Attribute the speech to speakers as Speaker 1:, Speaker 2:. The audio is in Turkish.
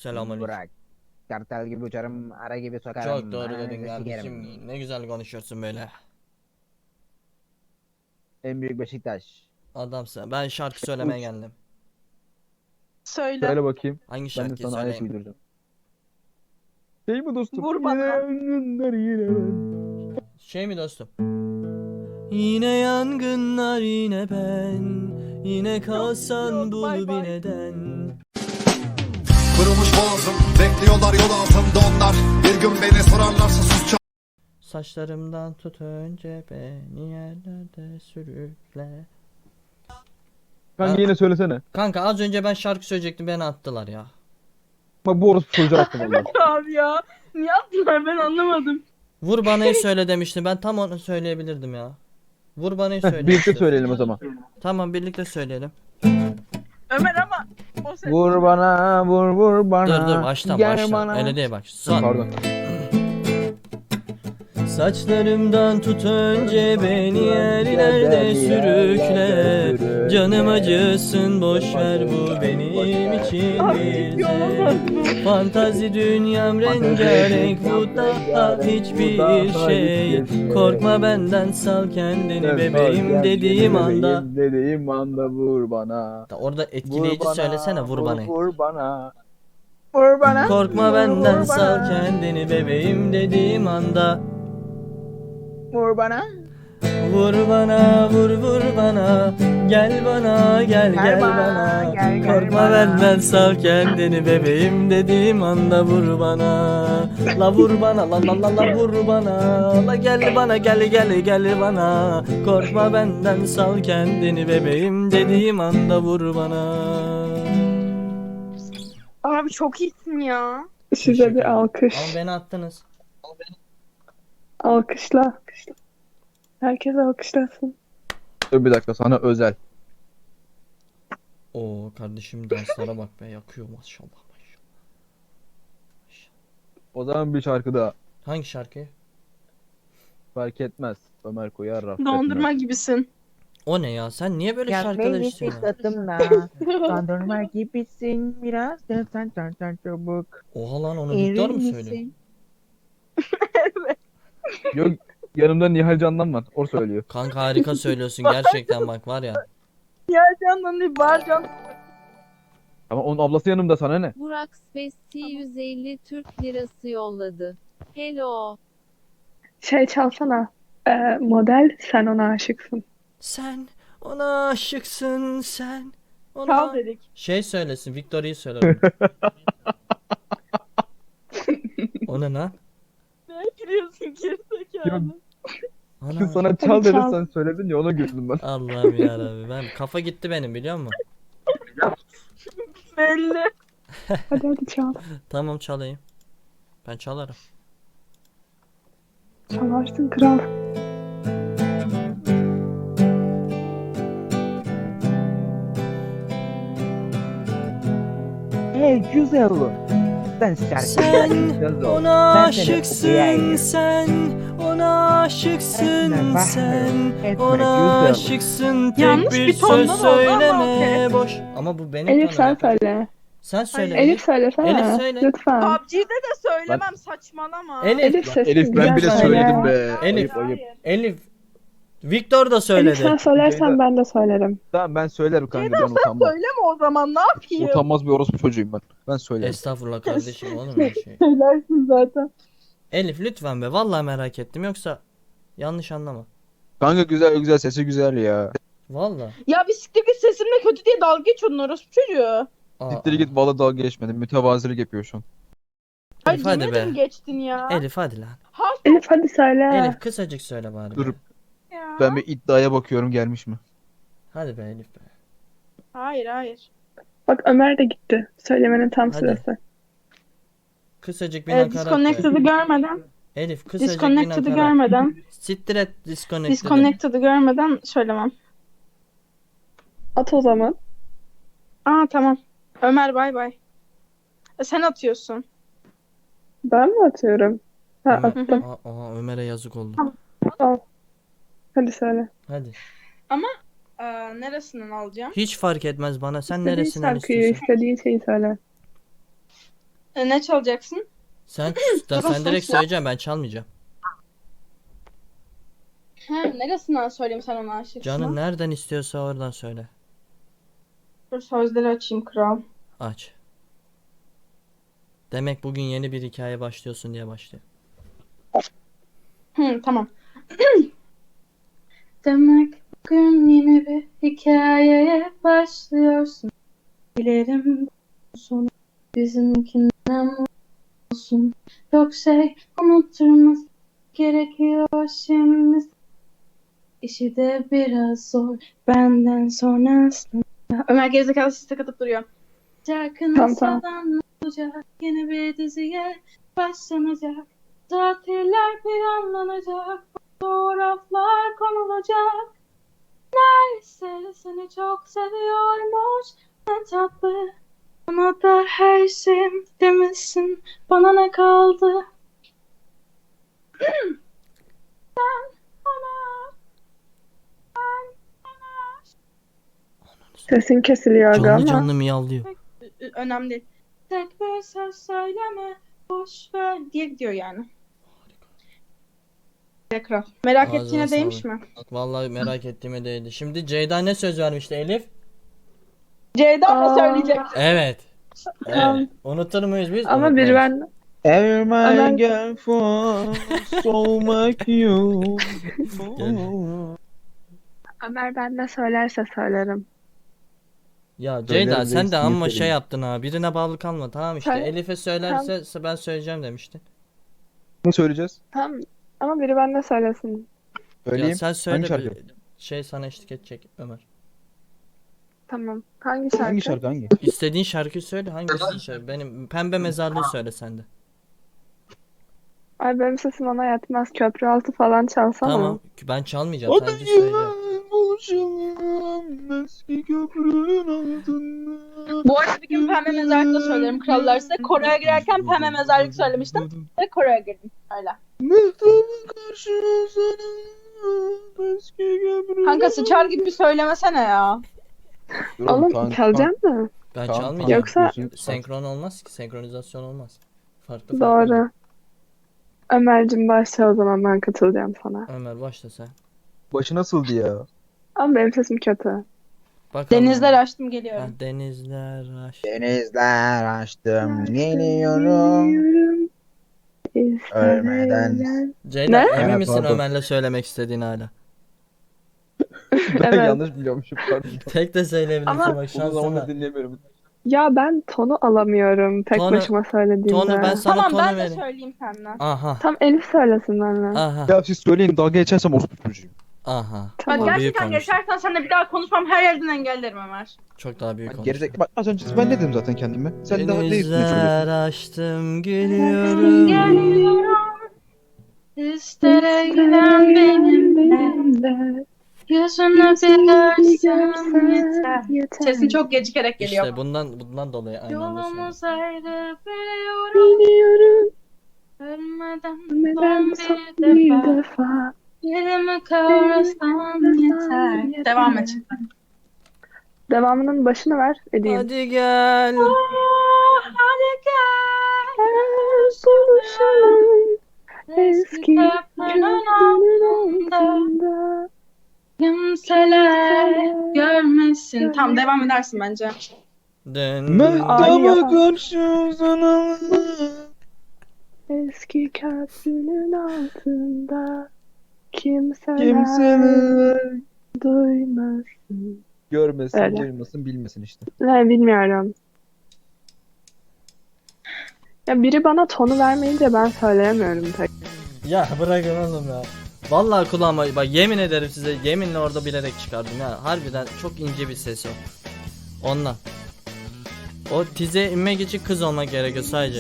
Speaker 1: Selamünaleyküm.
Speaker 2: Burak. Kartal gibi uçarım, ara gibi sokarım.
Speaker 1: Çok doğru dedin
Speaker 2: ananızı
Speaker 1: kardeşim.
Speaker 2: sikerim.
Speaker 1: Ne güzel konuşuyorsun böyle.
Speaker 2: En büyük Beşiktaş.
Speaker 1: Adamsın. Ben şarkı söylemeye
Speaker 3: Uç.
Speaker 1: geldim.
Speaker 3: Söyle.
Speaker 4: Söyle bakayım.
Speaker 1: Hangi
Speaker 4: Ben de
Speaker 1: şarkıyı
Speaker 4: sana ayak
Speaker 1: söyleyeyim?
Speaker 4: uyduracağım. Şey mi dostum?
Speaker 3: Vur bana.
Speaker 4: Yine yangınlar yine ben.
Speaker 1: Şey mi dostum? Yine yangınlar yine ben. Yine kalsan
Speaker 3: Yok,
Speaker 1: bul
Speaker 3: bay
Speaker 1: bir
Speaker 3: bay.
Speaker 1: neden.
Speaker 5: Kırılmış boğazım, bekliyorlar yol altında onlar. Bir gün beni sorarlarsa sus.
Speaker 1: Saçlarımdan tut önce beni yerlerde sürükle.
Speaker 4: Kanka
Speaker 1: Ha?
Speaker 4: yine söylesene.
Speaker 1: Kanka az önce ben şarkı söyleyecektim, beni attılar ya.
Speaker 4: Bak bu orospu çocuğu attı valla.
Speaker 3: Abi ya. Niye attılar ben anlamadım.
Speaker 1: Vur banayı söyle demiştim. Ben tam onu söyleyebilirdim ya. Vur banayı söyle.
Speaker 4: Birlikte söyleyelim o zaman.
Speaker 1: Tamam, birlikte söyleyelim.
Speaker 3: Ömer ama o ses.
Speaker 2: Vur bana, vur bana.
Speaker 1: Dur baştan
Speaker 2: Gel
Speaker 1: baştan.
Speaker 2: bana.
Speaker 1: Öyle değil bak. Son.
Speaker 4: Pardon.
Speaker 1: Saçlarımdan tut önce beni yerlerde sürükle. Canım acısın boş ver, bu benim için
Speaker 3: Abi
Speaker 1: bir
Speaker 3: yolamaz
Speaker 1: zevk. Fantazi dünyam rengarenk, bu daha hiçbir şey. Korkma benden, sal kendini bebeğim dediğim anda.
Speaker 4: Dediğim anda vur bana.
Speaker 1: Orada etkileyici söylesene, vur bana.
Speaker 4: Vur bana.
Speaker 2: Vur bana.
Speaker 1: Korkma benden,
Speaker 2: Vur
Speaker 1: sal
Speaker 2: bana.
Speaker 1: kendini bebeğim dediğim anda.
Speaker 2: Vur bana.
Speaker 1: Vur bana, vur bana, gel bana, gel bana.
Speaker 2: gel
Speaker 1: Korkma
Speaker 2: bana.
Speaker 1: benden, sal kendini bebeğim dediğim anda vur bana. La vur bana, la vur bana. La gel bana, gel bana. Korkma benden, sal kendini bebeğim dediğim anda vur bana.
Speaker 3: Abi çok iyisin ya.
Speaker 6: Size
Speaker 1: Teşekkür
Speaker 6: bir
Speaker 1: ederim.
Speaker 6: alkış.
Speaker 1: Ama beni attınız.
Speaker 6: Alkışla. Herkes alkışlasın.
Speaker 4: Dur bir dakika sana özel.
Speaker 1: Oo kardeşim, danslara bak be, yakıyor maşallah.
Speaker 4: O zaman bir şarkı daha.
Speaker 1: Hangi şarkı?
Speaker 4: Fark etmez. Ömer koyar raf.
Speaker 3: Dondurma gibisin.
Speaker 1: O ne ya? Sen niye böyle
Speaker 2: Gel
Speaker 1: şarkılar
Speaker 2: beni
Speaker 1: istiyorsun?
Speaker 2: sıkıntımda. Dondurma gibisin biraz. Dön çabuk.
Speaker 1: Oha lan, onu Victor mu
Speaker 2: Erir
Speaker 1: söylüyor?
Speaker 2: misin?
Speaker 4: Yok yanımda Nihal Candan var. O söylüyor.
Speaker 1: Kanka harika söylüyorsun gerçekten, bak var ya.
Speaker 3: Ya candan değil Barcan.
Speaker 4: Ama onun ablası yanımda, sana ne?
Speaker 7: Burak Spesti 150 Türk lirası yolladı. Hello.
Speaker 6: Şey çalsana. Model sen ona aşıksın.
Speaker 1: Sen ona aşıksın, sen ona...
Speaker 3: Çal dedik.
Speaker 1: Şey söylesin, Victoria'yı söyler. O ne lan?
Speaker 3: Ne giriyorsun gerizekalı?
Speaker 1: Ana.
Speaker 4: Sana çal
Speaker 6: Hadi
Speaker 4: dedim,
Speaker 6: çal.
Speaker 4: sen söyledin ya, ona güldüm ben.
Speaker 1: Allah'ım yarabbim, ben kafa gitti benim, biliyor musun?
Speaker 3: Belli.
Speaker 6: Hadi çal.
Speaker 1: Tamam, çalayım. Ben çalarım.
Speaker 6: Çalarsın kral.
Speaker 2: Hey güzel. Sen şarkı
Speaker 1: Sen
Speaker 2: güzel ol.
Speaker 1: ona
Speaker 2: Ben seni
Speaker 1: aşıksın,
Speaker 2: okuyayım.
Speaker 1: sen ona aşıksın,
Speaker 2: Etme, bahar,
Speaker 1: sen
Speaker 2: etme,
Speaker 1: ona
Speaker 2: güzel.
Speaker 1: aşıksın, tek
Speaker 3: Yanlış
Speaker 1: bir
Speaker 3: bir tonda
Speaker 1: söz
Speaker 3: da oldu ama
Speaker 1: söyleme
Speaker 3: okey.
Speaker 1: boş. Ama bu benim
Speaker 6: Elif sen
Speaker 1: tonum.
Speaker 6: söyle.
Speaker 1: Sen söyle.
Speaker 6: Elif söylesene.
Speaker 1: Elif söyle.
Speaker 6: Lütfen.
Speaker 3: PUBG'de de söylemem saçmalama.
Speaker 1: Elif,
Speaker 6: Elif sesin
Speaker 4: Elif ben
Speaker 6: güzel
Speaker 4: bile
Speaker 6: söyle.
Speaker 4: söyledim be.
Speaker 1: Elif.
Speaker 4: Ayıp ayıp.
Speaker 1: Elif. Victor da
Speaker 6: Elif sen
Speaker 1: söyledi.
Speaker 6: söylersen
Speaker 4: Ceyda.
Speaker 6: ben de söylerim.
Speaker 4: Tamam ben söylerim kanka, ben utanmam.
Speaker 3: Söyleme o zaman ne yapayım?
Speaker 4: Utanmaz bir orospu çocuğuyum ben. Ben söylerim.
Speaker 1: Estağfurullah kardeşim, olur mu öyle şey?
Speaker 3: Söylersin zaten.
Speaker 1: Elif lütfen be, vallahi merak ettim, yoksa yanlış anlama.
Speaker 4: Kanka güzel güzel, sesi güzel ya.
Speaker 1: Vallahi.
Speaker 3: Ya bisiklet sesimle kötü diye dalga geçiyordun orospu çocuğu.
Speaker 1: Aa,
Speaker 4: Siktir git, valla dalga geçmedim. Mütevazilik yapıyor şu an.
Speaker 3: Ay
Speaker 1: Elif hadi be.
Speaker 3: yemedim geçtin ya.
Speaker 1: Elif hadi lan.
Speaker 6: Elif hadi söyle.
Speaker 1: Elif kısacık söyle bari.
Speaker 4: Dur.
Speaker 1: be.
Speaker 3: Ya.
Speaker 4: Ben bir iddiaya bakıyorum, gelmiş mi?
Speaker 1: Hadi be Elif be.
Speaker 3: Hayır.
Speaker 6: Bak Ömer de gitti. Söylemenin tam
Speaker 1: Hadi.
Speaker 6: sırası.
Speaker 1: Kısacık bir nakarat be.
Speaker 3: Disconnected'ı görmeden.
Speaker 1: Elif kısacık bir
Speaker 3: Disconnected'ı
Speaker 1: nakarat.
Speaker 3: görmeden.
Speaker 1: Siktir et disconnected'ı.
Speaker 3: Disconnected'ı görmeden söylemem.
Speaker 6: At o zaman.
Speaker 3: Aa tamam. Ömer bay bay. Sen atıyorsun.
Speaker 6: Ben mi atıyorum? Ha
Speaker 1: Ömer,
Speaker 6: attım.
Speaker 1: Ömer'e yazık oldu.
Speaker 6: Al. Hadi söyle.
Speaker 1: Hadi.
Speaker 3: Neresinden alacağım?
Speaker 1: Hiç fark etmez bana. Sen
Speaker 6: İstediğin
Speaker 1: neresinden
Speaker 6: şarkıyı,
Speaker 1: istiyorsan.
Speaker 6: istediğin şeyi söyle.
Speaker 3: Ne çalacaksın?
Speaker 1: Sen
Speaker 3: Tamam,
Speaker 1: sen direkt
Speaker 3: sen-
Speaker 1: söyleyeceğim, ben çalmayacağım.
Speaker 3: Neresinden söyleyeyim sen ona aşıksın?
Speaker 1: Canın nereden istiyorsa oradan söyle.
Speaker 3: Dur sözleri açayım kral.
Speaker 1: Aç. Demek bugün yeni bir hikaye başlıyorsun diye başlıyor.
Speaker 3: Tamam. Demek bugün yeni bir hikayeye başlıyorsun. Dilerim sonu bizimkinden olsun. Çok şey unutturmaz gerekiyor şimdi. İşi de biraz zor benden sonrasında. Ömer gerizekalı siste katıp duruyor. Şarkının
Speaker 6: Tamam, tamam.
Speaker 3: sonradan olacak. Yeni bir diziye başlanacak. Tatiller planlanacak. Fotoğraflar konulacak. Neyse seni çok seviyormuş. Ne tatlı. Bana da her şeyim demişsin. Bana ne kaldı?
Speaker 6: Sesin kesiliyor aga
Speaker 1: Canlı
Speaker 6: ama.
Speaker 1: canlı miyavlıyor.
Speaker 3: Önemli değil. Tek bir söz söyleme. Boş ver diye gidiyor yani. Tekrar. Merak
Speaker 1: Ağzına
Speaker 3: ettiğine değmiş
Speaker 1: sağlık.
Speaker 3: mi?
Speaker 1: Vallahi merak ettiğime değdi. Şimdi Ceyda ne söz vermişti Elif?
Speaker 3: Ceyda mı
Speaker 6: Aa.
Speaker 3: söyleyecek?
Speaker 1: Evet.
Speaker 6: Tamam.
Speaker 1: Evet. Unutur muyuz biz?
Speaker 6: Ama biri
Speaker 1: Unutmayız.
Speaker 6: ben
Speaker 4: Every
Speaker 6: Ömer-
Speaker 4: girl for so much you.
Speaker 6: Ömer ben de söylerse söylerim.
Speaker 1: Ya
Speaker 4: Söylerim
Speaker 1: Ceyda
Speaker 4: reis,
Speaker 1: sen de
Speaker 4: niye
Speaker 1: amma şey
Speaker 4: söyleyeyim?
Speaker 1: yaptın ha. Birine bağlı kalma. Tamam işte.
Speaker 6: Söyle.
Speaker 1: Elif'e söylerse ben söyleyeceğim demiştin.
Speaker 4: Ne söyleyeceğiz?
Speaker 6: Tamam. Ama biri ben de söylesin.
Speaker 4: Söyleyeyim.
Speaker 1: Ya sen söyle
Speaker 4: Hangi şarkı?
Speaker 1: şey sana eşlik edecek Ömer.
Speaker 6: Tamam. Hangi şarkı?
Speaker 4: Hangi şarkı hangi?
Speaker 1: İstediğin şarkıyı söyle. Hangisini söyle? Benim Pembe Mezarlığı söyle sen de.
Speaker 6: Ay benim sesim ona yetmez. Köprü altı falan çalsana.
Speaker 1: Tamam. Ben çalmayacağım. Sadece söyleyeceğim.
Speaker 4: buluşalım eski köprünün altında.
Speaker 3: Bu arada bir gün Pembe Mezarlık'ta söylerim krallar size. Kore'ye girerken Pembe Mezarlık söylemiştim. Ve Kore'ye girdim. Öyle.
Speaker 4: Mehtabı karşı uzanalım eski köprünün
Speaker 3: Kanka sıçar gibi söylemesene ya.
Speaker 6: Oğlum çalacak mı?
Speaker 1: Ben
Speaker 4: Tamam,
Speaker 1: çalmayacağım.
Speaker 6: Yoksa-
Speaker 1: Senkron olmaz ki. Senkronizasyon olmaz. Farklı farklı.
Speaker 6: Doğru. Ömer'cim başla o zaman ben katılacağım sana.
Speaker 1: Ömer başla sen.
Speaker 4: Başı nasıldı ya?
Speaker 6: Ama benim sesim kötü.
Speaker 1: Bakalım.
Speaker 3: Denizler açtım
Speaker 1: Ha,
Speaker 3: geliyorum.
Speaker 1: denizler aşk.
Speaker 4: Denizler açtım geliyorum. Ölmeden.
Speaker 1: Ceyda
Speaker 6: Ne?
Speaker 1: emin
Speaker 4: Ha,
Speaker 1: misin
Speaker 4: pardon.
Speaker 1: Ömer'le söylemek istediğin hala?
Speaker 4: Ben
Speaker 6: Evet.
Speaker 4: yanlış biliyormuşum pardon.
Speaker 1: Tek de söyleyebilirsin
Speaker 6: Ama-
Speaker 1: bak
Speaker 4: O
Speaker 1: şansına.
Speaker 4: zaman da dinlemiyorum.
Speaker 6: Ya ben tonu alamıyorum tek
Speaker 1: Tonu-
Speaker 6: başıma söylediğimde.
Speaker 1: Tonu ben sana
Speaker 3: Tamam
Speaker 1: tonu
Speaker 3: ben de
Speaker 1: vereyim.
Speaker 3: söyleyeyim senden.
Speaker 1: Aha.
Speaker 6: Tam Elif söylesin benimle.
Speaker 1: Aha.
Speaker 4: Ya siz söyleyin dalga geçersem orospu çocuğuyum.
Speaker 1: Aha.
Speaker 3: Bak
Speaker 6: Tamam.
Speaker 1: büyük
Speaker 3: gerçekten
Speaker 1: konuştun.
Speaker 3: geçersen seninle bir daha konuşmam her yerden engellerim Ömer.
Speaker 1: Çok daha büyük
Speaker 4: Bak,
Speaker 1: konuştun.
Speaker 4: gerizekalı. Bak az önce ben ne dedim zaten kendime? Sen daha ne üstüne
Speaker 1: Denizler
Speaker 4: söylüyorsun?
Speaker 1: açtım geliyorum.
Speaker 3: Geliyorum. İster giden benimle. Yüzünü bir görsem yeter. Sesin çok gecikerek geliyor.
Speaker 1: İşte bundan dolayı aynı anda söylüyorum.
Speaker 3: Yolumuz ayrı biliyorum.
Speaker 6: Biliyorum
Speaker 3: Ölmeden
Speaker 6: neden
Speaker 3: son
Speaker 6: son
Speaker 3: bir
Speaker 6: bir
Speaker 3: defa.
Speaker 6: defa.
Speaker 3: Yerimi kavrasan yeter. Devam et.
Speaker 6: Devamının başını ver edeyim.
Speaker 1: Hadi gel.
Speaker 3: Hadi gel.
Speaker 6: Buluşalım eski
Speaker 3: köprünün
Speaker 6: köprünün
Speaker 3: altında.
Speaker 6: altında.
Speaker 3: Kimseler görmesin. Tamam devam edersin bence.
Speaker 1: Dön.
Speaker 6: Ay,
Speaker 4: Mehtaba
Speaker 6: ya.
Speaker 4: karşı uzanalım.
Speaker 6: Eski köprünün altında kimseler
Speaker 4: Kimseler
Speaker 6: duymasın.
Speaker 4: görmesin,
Speaker 6: Öyle.
Speaker 4: duymasın, bilmesin işte.
Speaker 6: Ne bilmiyorum. Ya biri bana tonu vermeyince ben söyleyemiyorum pek.
Speaker 1: Ya bırakın oğlum ya. Vallahi kulağıma bak yemin ederim size yeminle orada bilerek çıkardım ya. Harbiden çok ince bir ses o. Ondan. O tize inmek için kız olmak gerekiyor sadece.